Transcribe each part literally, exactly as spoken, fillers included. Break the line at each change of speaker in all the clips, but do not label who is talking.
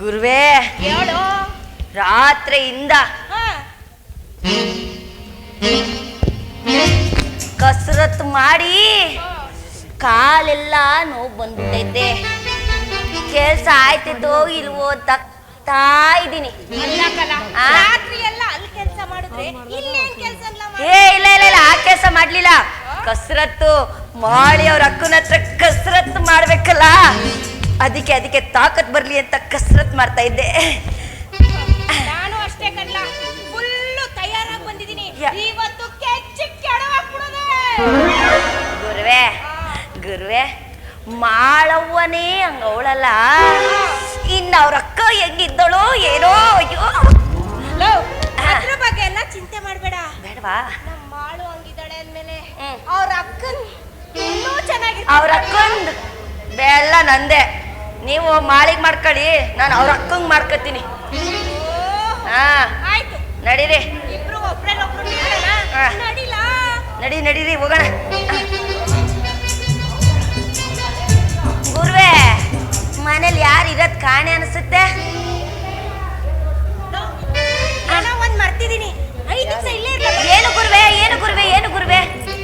ಗುರುವೇ
ಹೇಳು.
ರಾತ್ರಿಯಿಂದ ಕಸರತ್ತು ಮಾಡಿ ಕಾಲೆಲ್ಲ ನೋವು ಬಂದ್ಬಿಟ್ಟೈತೆ. ಕೆಲ್ಸ ಆಯ್ತಿದ್ದೋ ಇಲ್ವೋ ತಗ್ತಾ ಇದ್ದೀನಿ.
ರಾತ್ರಿ ಎಲ್ಲ ಅಲ್ಲಿ ಕೆಲಸ ಮಾಡಿದ್ರೆ ಇಲ್ಲೇನ್ ಕೆಲಸ ಇಲ್ಲ.
ಏ ಇಲ್ಲ ಇಲ್ಲ ಇಲ್ಲ ಆ ಕೆಲಸ ಮಾಡ್ಲಿಲ್ಲ. ಕಸರತ್ತು ಮಾಡಿ ಅವ್ರ ಅಕ್ಕನ ಹತ್ರ ಕಸರತ್ತು ಮಾಡ್ಬೇಕಲ್ಲ, ಅದಕ್ಕೆ ಅದಕ್ಕೆ ತಾಕತ್ ಬರ್ಲಿ ಅಂತ ಕಸರತ್ ಮಾಡ್ತಾ ಇದ್ದೆ.
ನಾನು ಅಷ್ಟೇ ಕಣ್ಲ, ಫುಲ್ಲು ತಯಾರಾಗಿ ಬಂದಿದ್ದೀನಿ. ಇವತ್ತು ಕೆಚ್ಚಿ ಕೆಡವಾಕ್ಬಿಡೋದೆ.
ಗುರುವೆ ಗುರುವೆ ಮಾಳವ್ವನೇ ಹಂಗ ಅವಳಲ್ಲ, ಇನ್ನ ಅವ್ರ ಅಕ್ಕ ಹೆಂಗಿದ್ದಳು ಏನೋ. ಅಯ್ಯೋ
ಅದ್ರ ಬಗ್ಗೆ ಎಲ್ಲ ಚಿಂತೆ ಮಾಡ್ಬೇಡ.
ಬೇಡವಾ?
ನಮ್ಮ ಮಾಳು ಹಂಗಿದ್ದಾಳೆ ಅಂದ್ಮೇಲೆ ಅವ್ರ ಅಕ್ಕನ್ ಇನ್ನೂ ಚೆನ್ನಾಗಿ.
ಅವ್ರ ಅಕ್ಕಂದ್ ಬೆಲ್ಲ ನಂದೆ. ನೀವು ಮಾಳಿಗೆ ಮಾಡ್ಕೊಳ್ಳಿ, ನಾನು ಅವ್ರ ಅಕ್ಕಂಗ್ ಮಾಡ್ಕೊತೀನಿ. ಹಾ
ಆಯ್ತು
ನಡೀರಿ.
ಇಬ್ರು ಒಬ್ರನ್ನೊಬ್ರು ನಡಿಲ.
ನಡಿ ನಡೀರಿ ಹೋಗೋಣ. ಗುರುವೆ ಮನೇಲಿ ಯಾರು ಇರೋದ್ ಕಾಣೆ ಅನ್ಸುತ್ತೆ.
ಏನೋ ಒಂದ್ ಮರ್ತಿದೀನಿ. ಐದು ನಿಮಿಷ ಇಲ್ಲೇ ಇರ್ಲ.
ಏನು ಗುರುವೆ ಏನು ಗುರುವೆ ಏನು ಗುರುವೆ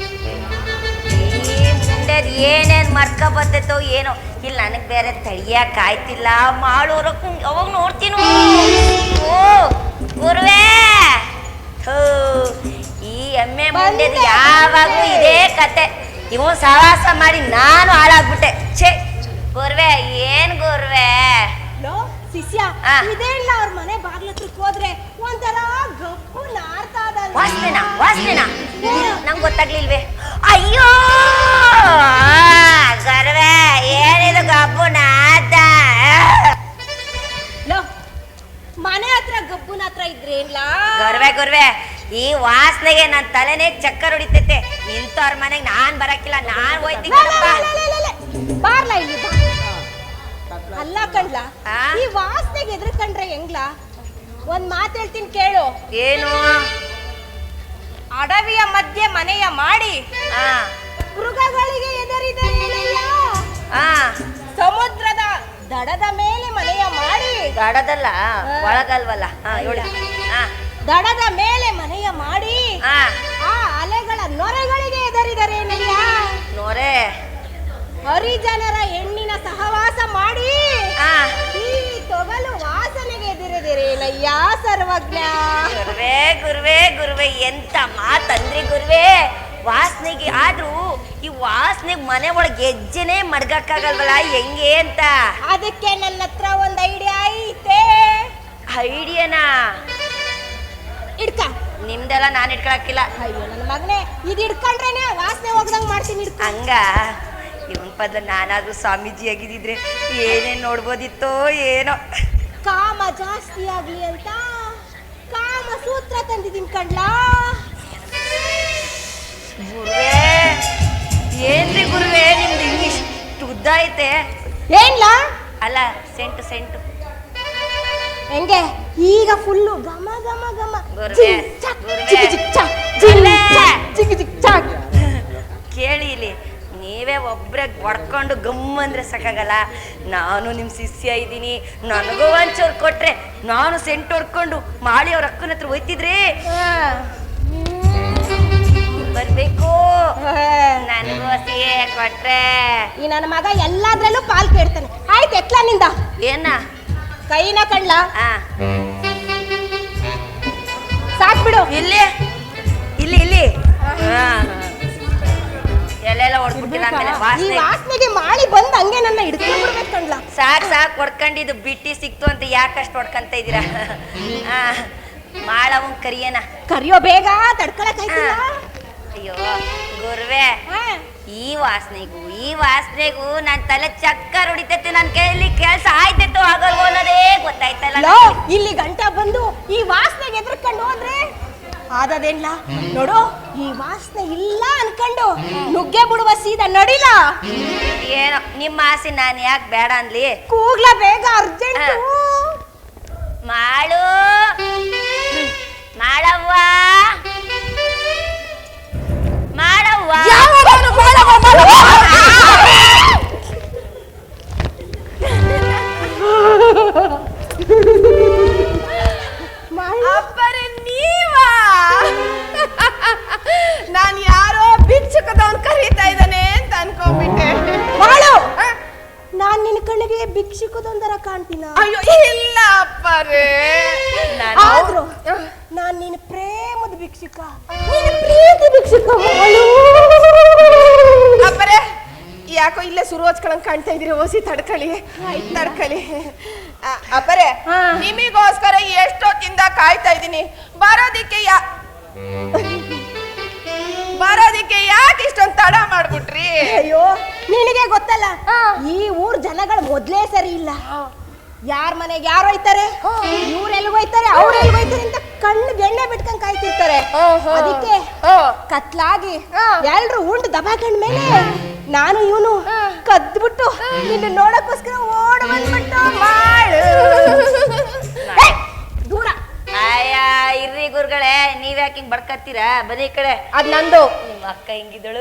ಮುಂಡೆದ್ ಏನೇನ್ ಮರ್ಕ ಬರ್ತೈತೋ ಏನೋ. ಇಲ್ಲಿ ನನಗ್ ಬೇರೆ ತಡಿಯಕ್ ಆಯ್ತಿಲ್ಲ. ಮಾಡೋರಕ್ಕೂ ಅವಾಗ ನೋಡ್ತೀನೋ. ಓ ಗುರುವೆ ಈ ಎಮ್ಮೆ ಮುಂಡೆದ್ ಯಾವಾಗ್ಲೂ ಇದೇ ಕತೆ. ಇವನ್ ಸವಾಸ ಮಾಡಿ ನಾನು ಹಾಳಾಗ್ಬಿಟ್ಟೆ. ಛೇ ಗುರುವೆ ಏನ್ ಗುರುವೆ
ಶಿಷ್ಯ ಇದೇ ಇಲ್ಲ. ಅವ್ರ ಮನೆ ಬಾಗ್ಲ ಹತ್ರಕ್ ಹೋದ್ರೆ ಒಂಥರ ಗಪ್ಪು ನಾರ್ತಾ ಇದ್ದಾಳೆ.
ವಾಸನೆನಾ ವಾಸನೆನಾ ನಂಗೆ ಗೊತ್ತಾಗ್ಲಿಲ್ವೇ? ಅಯ್ಯೋ ಗರ್ವೆ ಏನಿದು ಗಬ್ಬು ನಾದ.
ಮನೆ ಹತ್ರ ಗಬ್ಬುನ ಹತ್ರ ಇದ್ರೇನ್ಲಾ?
ಗರ್ವೆ ಗುರ್ವೆ ಈ ವಾಸನೆಗೆ ನನ್ ತಲೆನೇ ಚಕ್ಕರ್ ಹೊಡಿತೈತೆ. ಇಂಥವ್ರ ಮನೆಗೆ ನಾನ್ ಬರಕಿಲ್ಲ, ನಾನ್ ಹೋಯ್ತೀನಿ.
ಬಾರ್ಲಾ ಇಲ್ಲಿ. ಅಲ್ಲ ಕಣ್ಲಾ, ಈ ವಾಸನೆಗೆ ಎದ್ರಕಂಡ್ರೆ ಹೆಂಗ್ಲಾ? ಒಂದ್ ಮಾತು ಹೇಳ್ತೀನಿ ಕೇಳು.
ಏನು?
ಅಡವಿಯ ಮಧ್ಯೆ ಮನೆಯ ಮಾಡಿ
ಆ
ಮೃಗಗಳಿಗೆ ಎದರಿದರೇನಯ್ಯ.
ಆ
ಸಮುದ್ರದ ದಡದ ಮೇಲೆ ಮನೆಯ ಮಾಡಿ.
ದಡದಲ್ಲ ಒಳಗಲ್ವಲ್ಲ. ಹಾ ಹೇಳಿ. ಹಾ
ದಡದ ಮೇಲೆ ಮನೆಯ ಮಾಡಿ
ಆ
ಆ ಅಲೆಗಳ ನೊರೆಗಳಿಗೆ ಎದರಿದರೇನಯ್ಯ.
ನೋರೆ
ಹರಿಜನರ ಹೆಣ್ಣಿನ ಸಹವಾಸ ಮಾಡಿ
ಆ
ಈ ತೊಗಲು ವಾಸನೆಗೆ ಎದುರಿದಿರೇನಯ್ಯ ಸರ್ವಜ್ಞ.
ಗುರುವೆ ಗುರುವೆ ಗುರುವೆ ಎಂತ ಮಾತಂದ್ರಿ ಗುರುವೆ. ವಾಸನೆಗೆ ಆದ್ರೂ ಈ ವಾಸನೆಗೆ ಮನೆ ಒಳಗೆ ಹೆಜ್ಜೆನೆ ಮಡ್ಗಕ್ಕಾಗಲ್ವಲ್ಲ, ಹೆಂಗೆ ಅಂತ.
ಅದಕ್ಕೆ ನನ್ನ ಹತ್ರ ಒಂದ್ ಐಡಿಯಾ ಐತೆ.
ಐಡಿಯಾನಾ?
ಇಡ್ಕ.
ನಿಮ್ದೆಲ್ಲ ನಾನು ಇಟ್ಕೊಳಕ್ಕಿಲ್ಲ.
ಅಯ್ಯೋ ನನ್ನ ಮಗನೇ, ಇದು ಇಡ್ಕೊಂಡ್ರೇನೆ ವಾಸನೆ ಹೋಗ್ದಂಗ್ ಮಾಡ್ತೀನಿ. ಇಡ್ಕ.
ಹಂಗ ಇವನ್ ಪದ್ಲ ನಾನಾದ್ರೂ ಸ್ವಾಮೀಜಿ ಆಗಿದ್ರೆ ಏನೇನ್ ನೋಡ್ಬೋದಿತ್ತೋ ಏನೋ.
ಕಾಮ ಜಾಸ್ತಿ ಆಗ್ಲಿ ಅಂತ ಕಾಮ ಸೂತ್ರ ತಂದಿದ್ದೀನಿ ಕಣ್ಲಾ.
ಗುರುವೆ ಏನ್ರಿ ಗುರುವೆ ನಿಮ್ದು ಇಂಗ್ಲಿಷ್ ಉದ್ದ ಐತೆ.
ಏನ್ಲಾ?
ಅಲ್ಲ ಸೆಂಟು ಸೆಂಟು
ಹೆಂಗೆ ಈಗ ಫುಲ್ಲು ಗಮ ಗಮ ಗಮ.
ಗುರುವೆ ಕೇಳಿ ಇಲ್ಲಿ, ನೀವೇ ಒಬ್ರೆ ಹೊಡ್ಕೊಂಡು ಗಮ್ಮ ಅಂದ್ರೆ ಸಾಕಾಗಲ್ಲ. ನಾನು ನಿಮ್ಮ ಶಿಷ್ಯ ಇದ್ದೀನಿ, ನನಗೂ ಒಂಚೂರು ಕೊಟ್ರೆ ನಾನು ಸೆಂಟ್ ಹೊಡ್ಕೊಂಡು ಮಾಡಿ ಅವ್ರ ಅಕ್ಕನ ಹತ್ರ ಹೋಯ್ತಿದ್ರಿ. ಬರ್ಬೇಕು ನನಗೂ ಸಿಹಿ ಕೊಟ್ರೆ.
ಈ ನನ್ನ ಮಗ ಎಲ್ಲಾದ್ರಲ್ಲೂ ಪಾಲ್ ಕೇಳ್ತಾನೆ. ಆಯ್ತು ಎತ್ಲಾ ನಿಂದ.
ಏನ
ಕೈನ ಕಣ್ಲ
ಆ
ಸಾಕ್ಬಿಡು.
ಇಲ್ಲಿ ಇಲ್ಲಿ ಇಲ್ಲಿ ಎಲ್ಲೆಲ್ಲ ಹೊಡ್ಬಿಟ್ಟಿಲ್ಲ. ಆಮೇಲೆ
ಈ ವಾಸನೆಗೆ ಮಾಳಿ ಬಂದ್ ಹಂಗೆ ನನ್ನ ಹಿಡ್ಕೊಂಡ್ಬಿಡ್ಬೇಕು ಕಣ್ಲ.
ಸಾಕ್ ಸಾಕ್ ಹೊಡ್ಕೊಂಡಿದ್ದು ಬಿಟ್ಟಿ ಸಿಕ್ತು ಅಂತ ಯಾಕಷ್ಟು ಹೊಡ್ಕಂತ ಇದ್ದೀರಾ? ಮಾಳವನ್ ಕರಿಯನ
ಕರಿಯೋ ಬೇಗ ತಡ್ಕೊಳಕ್ ಆಯ್ತಿಲ್ಲ.
ಅಯ್ಯೋ ಗುರುವೆ ಈ ವಾಸನೆಗೂ ಈ ವಾಸನೆಗೂ ನನ್ ತಲೆ ಚಕ್ಕರ್ ಹೊಡಿತೈತೆ. ನನ್ ಕೈಲಿ ಕೆಲ್ಸ ಆಯ್ತಿತ್ತು ಆಗಲ್ವೋ ಅನ್ನೋದೇ ಗೊತ್ತಾಯ್ತಲ್ಲ.
ಇಲ್ಲಿ ಗಂಟ ಬಂದು ಈ ವಾಸನೆಗೆ ಎದ್ರಕೊಂಡು ಹೋದ್ರೆ ಆದದೇನ್ಲ ನೋಡು. ಈ ವಾಸನೆ ಇಲ್ಲ ಅನ್ಕೊಂಡು ನುಗ್ಗೆ ಬಿಡುವ ಸೀದಾ ನಡಿಲ.
ಏನೋ ನಿಮ್ಮ ಆಸೆ ನಾನು ಯಾಕೆ ಬೇಡ ಅನ್ಲಿ.
ಕೂಗ್ಲ ಬೇಗ ಅರ್ಜೆಂಟ್.
ಮಾಡು ಮಾಡವ್ವ ಮಾಡವ್ವ
ಭಿಕ್ಷುಕದೊಂದರ ಕಾಣ್ತೀನ?
ಅಯ್ಯೋ ಇಲ್ಲ ಅಪ್ಪರೇ,
ಆದ್ರೂ ನಾನ್ ನಿನ್ನ ಪ್ರೇಮದ ಭಿಕ್ಷುಕ, ನಿನ್ನ ಪ್ರೀತಿ ಭಿಕ್ಷುಕ.
ಅಪ್ಪರೇ ಯಾಕೋ ಇಲ್ಲೇ ಶುರು ಹಚ್ಕೊಳಂಗ್ ಕಾಣ್ತಾ ಇದೀರಿ, ಓಸಿ ತಡ್ಕಳಿ ತಡ್ಕಳಿ. ಅಪ್ಪರೇ ನಿಮಿಗೋಸ್ಕರ ಎಷ್ಟೊತ್ತಿಂದ ಕಾಯ್ತಾ ಇದ್ದೀನಿ, ಬರೋದಿಕ್ಕೆ ಯಾ ಬರೋದಿಕ್ಕೆ ಯಾಕೆ ಇಷ್ಟೊಂದು ತಡ ಮಾಡ್ಬಿಟ್ರಿ?
ಅಯ್ಯೋ ನಿನಗೆ ಗೊತ್ತಲ್ಲ, ಈ ಊರ್ ಜನಗಳು ಮೊದ್ಲೇ ಸರಿ ಇಲ್ಲ. ಯಾರ ಮನೆಗೆ ಯಾರು ಹೋಯ್ತಾರೆ, ಇವ್ರ ಎಲ್ಗ ಹೋಯ್ತಾರೆ, ಅವ್ರ ಎಲ್ಗ ಹೋಯ್ತಾರೆ ಅಂತ ಕಣ್ಣು ಬೆಣ್ಣೆ ಬಿಟ್ಕೊಂಡ್ ಕಾಯ್ತಿರ್ತಾರೆ. ಅದಕ್ಕೆ ಕತ್ಲಾಗಿ ಎಲ್ರು ಉಂಡು ದಬಾಕಂಡ್ ಮೇಲೆ ನಾನು ಇವನು ಕದ್ಬಿಟ್ಟು ನಿನ್ನ ನೋಡಕ್ಕೋಸ್ಕರ ಓಡ ಬಂದ್ಬಿಟ್ಟು ಮಾಡು ದೂರ.
ಆಯ ಇರ್ರಿ ಗುರುಗಳೇ, ನೀವ್ ಯಾಕೆ ಹಿಂಗ್ ಬಡ್ಕತ್ತೀರಾ? ಬನ್ನಿ ಈ ಕಡೆ.
ಅದ್ ನಂದು.
ನಿಮ್ಮ ಅಕ್ಕ ಹೆಂಗಿದ್ದಳು?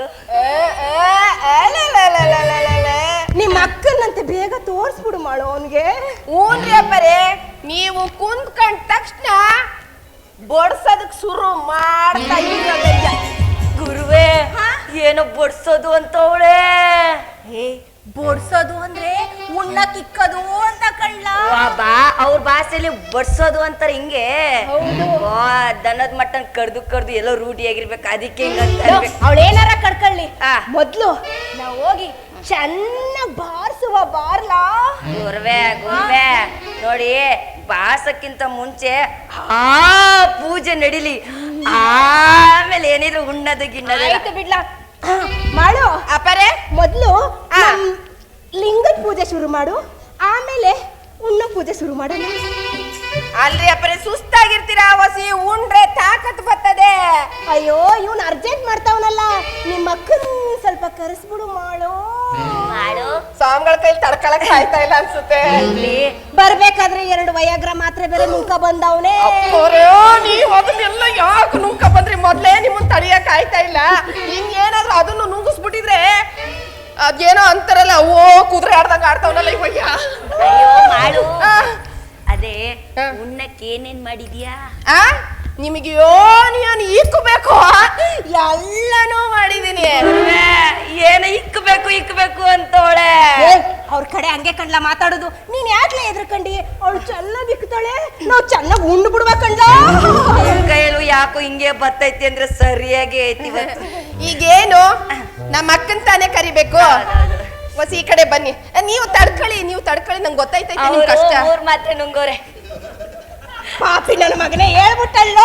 ನಿಮ್ಮ ಅಕ್ಕನಂತೆ ಬೇಗ ತೋರ್ಸ್ಬಿಡು ಮಾಡು ಅವನ್ಗೆ.
ಊನ್ರಿ ಅಪ್ಪರೇ, ನೀವು ಕುಂತ್ಕೊಂಡ ತಕ್ಷಣ ಬಡ್ಸೋದಕ್ ಶುರು ಮಾಡ್ತಾ ಇರೋದಯ್ಯ.
ಗುರುವೇ, ಏನೋ ಬಡ್ಸೋದು ಅಂತ ಅವಳೆ.
ಹೇ ಬಡ್ಸೋದು ಅಂದ್ರೆ ಉಣ್ಣ ಕಿಕ್ಕದು ಅಂತ ಕಳ್ಳ.
ಬಾ ಅವ್ರ ಭಾಷೆಯಲ್ಲಿ ಬಡ್ಸೋದು ಅಂತಾರೆ ಹಿಂಗೆ. ದನದ ಮಟ್ಟನ್ ಕಡ್ದು ಕಡ್ದು ಎಲ್ಲೋ ರೂಢಿಯಾಗಿರ್ಬೇಕು, ಅದಕ್ಕೆ ಹಿಂಗಂತ.
ಅವಳೇನಾರ ಕಡ್ಕೊಳ್ಳಿ,
ಆ.
ಮೊದ್ಲು ನಾವ್ ಹೋಗಿ ಚೆನ್ನಾಗ್ ಬಾರ್ಸುವ ಬಾರ್ಲಾ.
ಗುರುವೆ ಗುರುವೆ ನೋಡಿ, ಬಾಸಕ್ಕಿಂತ ಮುಂಚೆ ಆ ಪೂಜೆ ನಡಿಲಿ, ಆಮೇಲೆ ಏನಿದ್ರು ಉಣ್ಣದು ಗಿಣ್ಣದು.
ಆಯ್ತು ಬಿಡ್ಲಾ ಮಾಡು.
ಅಪ್ಪರೇ
ಮೊದ್ಲು ನಮ್ ಲಿಂಗದ ಪೂಜೆ ಶುರು ಮಾಡು, ಆಮೇಲೆ ಉಣ್ಣ ಪೂಜೆ ಶುರು ಮಾಡೋಣ.
ಅಲ್ರಿ ಅಪ್ಪರೇ, ಸುಸ್ತಾಗಿರ್ತೀರಾ, ವಸಿ ಉಂಡ್ರೆ ತಾಕತ್ ಬರ್ತದೆ.
ಅಯ್ಯೋ ಇವ್ನ ಅರ್ಜೆಂಟ್ ಮಾಡ್ತಾವನಲ್ಲ, ನಿಮ್ಮ ಅಕ್ಕನ್ ಸ್ವಲ್ಪ ಕರೆಸ್ಬಿಡು ಮಾಡು.
ಮಾಡು
ಸ್ವಾಮಿಗಳ ಕೈಲಿ ತಡ್ಕೊಳಕ್ ಆಯ್ತಾ ಇಲ್ಲ ಅನ್ಸುತ್ತೆ.
ಬರ್ಬೇಕಾದ್ರೆ ಎರಡು ವಯಾಗ್ರ ಮಾತ್ರೆ ಬೇರೆ ನುಂಕ ಬಂದವನೇ.
ನೀವ್ ಅದನ್ನೆಲ್ಲ ಯಾಕೆ ನುಂಕ ಬಂದ್ರಿ? ಮೊದ್ಲೇ ನಿಮ್ಮನ್ ತಡಿಯಕ್ ಆಯ್ತಾ ಇಲ್ಲ, ಹಿಂಗ್ ಏನಾದ್ರು ಅದನ್ನು ನುಂಗಿಸ್ಬಿಟ್ಟಿದ್ರೆ ಅದೇನೋ ಅಂತಾರಲ್ಲ, ಓ ಕುದುರೆ ಆಡ್ದಂಗ ಆಡ್ತಾವನಲ್ಲ ಇವಾಗ.
ಅಯ್ಯೋ ಮಾಡು. ಅದೇ ಉಣ್ಣಕ್ಕೆ ಏನೇನ್ ಮಾಡಿದ್ಯಾ?
ಆ ನಿಮಗೆ ಯೋನಿಯನ್ ಇಕ್ಕಬೇಕು, ಎಲ್ಲನೂ ಮಾಡಿದೀನಿ.
ಏನ ಇಕ್ಕಬೇಕು ಇಕ್ಕಬೇಕು ಅಂತವಳೆ.
ಅವ್ರ ಕಡೆ ಹಂಗೆ ಕಣ್ಲ ಮಾತಾಡೋದು. ನೀನ್ ಯಾಕ್ಲೆ ಎದ್ರಕಂಡಿ? ಅವಳು ಚೆನ್ನಾಗ್ ಇಕ್ತಾಳೆ, ನಾವ್ ಚೆನ್ನಾಗ್ ಉಂಡು ಬಿಡ್ಬೇಕಂಡ.
ಕೈಯಲ್ಲೂ ಯಾಕೋ ಹಿಂಗೆ ಬರ್ತೈತಿ ಅಂದ್ರೆ ಸರಿಯಾಗಿ ಐತಿ ಇವತ್ತು.
ಈಗೇನು ನಮ್ಮ ಅಕ್ಕನ್ ತಾನೇ ಕರಿಬೇಕು. ಹೊಸ ಈ ಕಡೆ ಬನ್ನಿ, ನೀವು ತಡ್ಕೊಳ್ಳಿ ನೀವು ತಡ್ಕೊಳ್ಳಿ, ನಂಗೆ ಗೊತ್ತೈತೈತೆ ನಿಮ್ ಕಷ್ಟ.
ಮೂರ್ ಮಾತ್ರೆ ನುಂಗೋರೆ.
ಪಾಪಿ ನನ್ನ ಮಗನೇ ಹೇಳ್ಬಿಟ್ಟಲ್ಲ.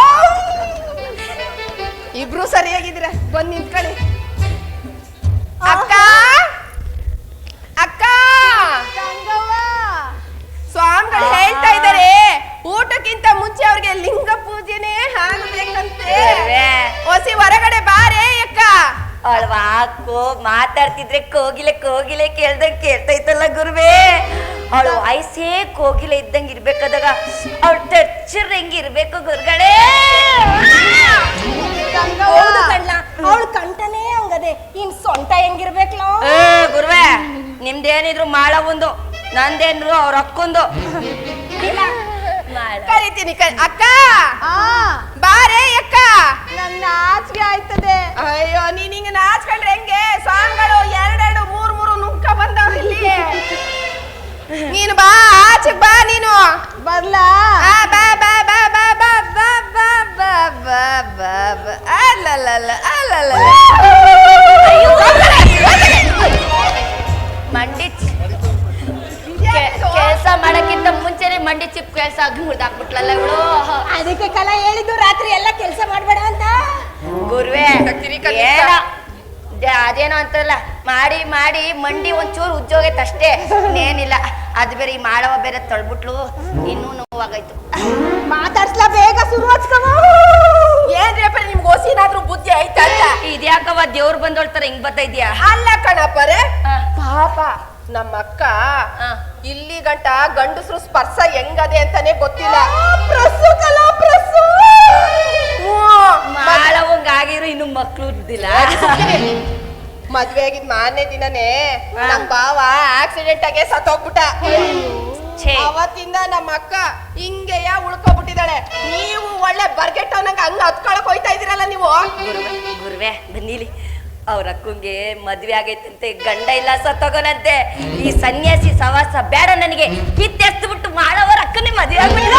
ಇಬ್ರು ಸರಿಯಾಗಿದ್ದೀರ, ಬಂದ್ ನಿಂತ್ಕೊಳ್ಳಿ. ಅಕ್ಕ ಅಕ್ಕ, ಸ್ವಾಮಿಗಳು ಹೇಳ್ತಾ ಇದ್ದಾರೆ ಊಟಕ್ಕಿಂತ ಮುಂಚೆ ಅವ್ರಿಗೆ ಲಿಂಗ ಪೂಜೆನೇ ಆಗ್ಬೇಕಂತೆ. ಹೊಸಿ ಹೊರಗಡೆ ಬಾರೇ ಅಕ್ಕ.
ಅವಳು ಮಾತಾಡ್ತಿದ್ರೆ ಕೋಗಿಲೆ ಕೋಗಿಲೆ ಕೇಳ್ದಂಗ್ ಕೇಳ್ತೈತಲ್ಲ ಗುರುವೇ. ಅವಳು ವಯಸ್ಸೇ ಕೋಗಿಲೆ ಇದ್ದಂಗ ಇರ್ಬೇಕಾದಾಗ ಅವಳು ಟಚ್ಚರ್ ಹೆಂಗಿರ್ಬೇಕು ಗುರುಗಳೇ.
ಅವಳು ಕಂಠನೇ ಹಂಗದೆ, ಇನ್ ಸೊಂಟ ಹೆಂಗಿರ್ಬೇಕಲ್ಲ.
ಗುರುವೇ, ನಿಮ್ದೇನಿದ್ರು ಮಾಳ ಒಂದು, ನಂದೇನ್ರು ಅವ್ರ ಅಕ್ಕೊಂದು.
ಕರಿತೀನಿ ಅಕ್ಕ. ಬಾರೇ ಅಕ್ಕ. ನನ್ನ ನಾಚಿಕೆ ಆಯ್ತದೆ. ಅಯ್ಯೋ ನೀನ್ ಹಿಂಗ ನಾಚ್ಕೊಂಡ್ರೆ ಹೆಂಗೆ? ಸ್ವಾಮಿಗಳು ಎರಡೆರಡು ಮೂರ್ ಮೂರು ನುಂಕ ಬಂದವ್ರು ಇಲ್ಲಿ. ನೀನು ಬಾ, ಆಚೆಗ್ ಬಾ ನೀನು. ಬರ್ಲಾ? ಬಾ ಬಾ ಬಾ ಬಾ ಬಾ ಬಾ ಬಾ ಬಾ ಬಾ ಬಾ ಬಾ. ಅಲ್ಲಲ್ಲ ಅಲ್ಲಲ್ಲ
ಮಂಡಿ ಕೆಲಸ ಮಾಡಕ್ಕಿಂತ ಮುಂಚೆನೆ ಮಂಡಿ ಚಿಪ್ ಕೆಲಸ ಆಗಿ ಮುಡ್ದಾಕ್ಬಿಟ್ಲಲ್ಲ ಇವಳು.
ಅದಕ್ಕೆ ಕಲ ಹೇಳಿದ್ದು ರಾತ್ರಿ ಎಲ್ಲ ಕೆಲಸ ಮಾಡ್ಬೇಡ ಅಂತ.
ಗುರುವೇ ಅದೇನೋ ಅಂತಲ್ಲ, ಮಾಡಿ ಮಾಡಿ ಮಂಡಿ ಒಂಚೂರು ಉಜ್ಜೋಗೈತೆ ಇನ್ನೇನಿಲ್ಲ. ಅದು ಬೇರೆ ಈ ಮಾಡವ ಬೇರೆ ತೊಳ್ಬಿಟ್ಲು, ಇನ್ನೂ ನೋವಾಗಾಯ್ತು.
ಮಾತಾಡ್ಸ್ಲಾ ಬೇಗ ಶುರು ಹಚ್ಕವ.
ಏನ್ರಿ ಅಪ್ಪ ನಿಮ್ಗೆ ಓಸಿನಾದ್ರೂ ಬುದ್ಧಿ ಆಯ್ತಾ ಅಂತ?
ಇದ್ಯಾಕವ ದೇವ್ರು ಬಂದೋಳ್ತಾರ ಹಿಂಗ್ ಬರ್ತಾ ಇದ್ಯಾ?
ಅಲ್ಲ ಕಣಪ್ಪರೆ, ಪಾಪ ನಮ್ಮ ಅಕ್ಕ ಇಲ್ಲಿ ಗಂಟ ಗಂಡಸರು ಸ್ಪರ್ಶ ಹೆಂಗದೆ ಅಂತಾನೆ ಗೊತ್ತಿಲ್ಲ. ಪ್ರಸ್ತುತಲ್ಲ ಪ್ರಸ್ತು
ಮಾಡವಂಗ ಆಗಿರೋ ಇನ್ನು ಮಕ್ಳು ಇದ್ದಿಲ್ಲ.
ಮದ್ವೆ ಆಗಿದ್ ಮಾರನೇ ದಿನನೇ ನಮ್ ಬಾವ ಆಕ್ಸಿಡೆಂಟ್ ಆಗಿ ಸತ್ತೋಗ್ಬಿಟ್ಟ. ಅವತ್ತಿಂದ ನಮ್ಮ ಅಕ್ಕ ಹಿಂಗೆಯ ಉಳ್ಕೊಬಿಟ್ಟಿದ್ದಾಳೆ. ನೀವು ಒಳ್ಳೆ ಬರ್ಗೆಟ್ಟವನಂಗ ಹಂಗ ಹತ್ಕೊಳಕ್ ಹೋಯ್ತಾ ಇದೀರಲ್ಲ ನೀವು.
ಗುರುವೆ ಬನ್ನಿಲಿ, ಅವ್ರ ಅಕ್ಕಂಗೆ ಮದ್ವೆ ಆಗೈತಂತೆ, ಗಂಡ ಇಲ್ಲ ಸತ್ತೋಗೋನಂತೆ. ಈ ಸನ್ಯಾಸಿ ಸವಾಸ ಬೇಡ ನನಗೆ, ಕಿತ್ತೆಸ್ತು ಬಿಟ್ಟು ಮಾಡವರ ಅಕ್ಕನೇ ಮದ್ವೆ ಆಗ್ಬಿಟ್ಟ.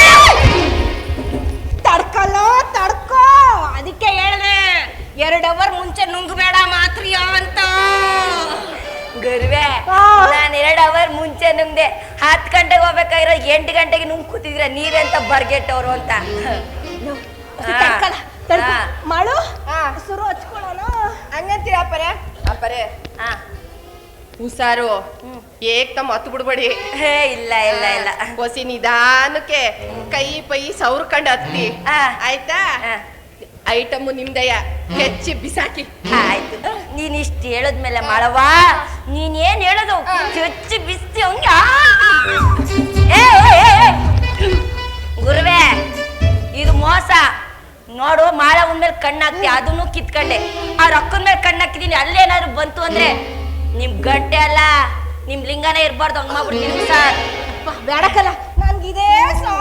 ತಡ್ಕಲ್ಲ ತಡ್ಕೋ, ಅದಕ್ಕೆ ಹೇಳ್ದೆ ಎರಡು ಅವರ್ ಮುಂಚೆ ನುಂಗ್ಬೇಡ ಮಾತ್ರಿಯ ಅಂತ.
ಗುರುವೆ, ನಾನು ಎರಡು ಅವರ್ ಮುಂಚೆ ನುಂಗ್ದೆ. ಹತ್ತು ಗಂಟೆಗೆ ಹೋಗ್ಬೇಕಾಗಿರೋ ಎಂಟು ಗಂಟೆಗೆ ನುಂಗ್ ಕೂತಿದ್ರ, ನೀವೆಂತ ಬರ್ಗೆಟ್ಟವ್ರು ಅಂತ.
ತಡ್ಕಲ್ಲ ತಡ್ಕೊ.
ಹಾ.
ಮಾಡು
ಹಾ.
ಸುರು ಹಚ್ಕೊಳ್ಳೋಣ.
ಹಂಗಂತೀರ ಅಪ್ಪರೆ? ಅಪ್ಪರೆ
ಹಾ.
ಹುಷಾರು, ಏಕ್ ತಮ್ಮ ಹತ್ತು ಬಿಡ್ಬೇಡಿ.
ಹೇ ಇಲ್ಲ ಇಲ್ಲ ಇಲ್ಲ.
ಹೊಸಿ ನಿಧಾನಕ್ಕೆ ಕೈ ಪೈ ಸೌರ್ಕಂಡ್ ಹತ್ತಿ,
ಹಾ.
ಆಯ್ತಾ?
ಹಾ.
ಐಟಮು ನಿಮ್ದಯ್ಯ, ಹೆಚ್ಚಿ ಬಿಸಾಕಿ.
ಆಯ್ತು, ನೀನ್ ಇಷ್ಟ ಹೇಳದ್ಮೇಲೆ ಮಾಡವಾ, ನೀನ್ ಏನ್ ಹೇಳೋದು ಚುಚ್ಚಿ ಬಿಸ್ತಿ ಹಂಗ. ಗುರುವೆ, ಇದು ಮೋಸ ನೋಡು. ಮಾಳ ಉಂದ್ಮೇಲೆ ಕಣ್ಣಾಕ್ತಿ, ಅದನ್ನು ಕಿತ್ಕೊಂಡೆ. ಆ ರೊಕ್ಕದ ಮೇಲೆ ಕಣ್ಣಾಕಿದೀನಿ, ಅಲ್ಲೇನಾದ್ರು ಬಂತು ಅಂದ್ರೆ ನಿಮ್ ಗಂಟೆ ಅಲ್ಲ, ನಿಮ್ ಲಿಂಗನೇ ಇರ್ಬಾರ್ದು. ಹಂಗ ಮಾಡ್ಬಿಡ್ತೀನಿ ಸರ್.
ಬೇಡಕಲ್ಲ, ನನ್ಗಿದೇ ಸಾಕು.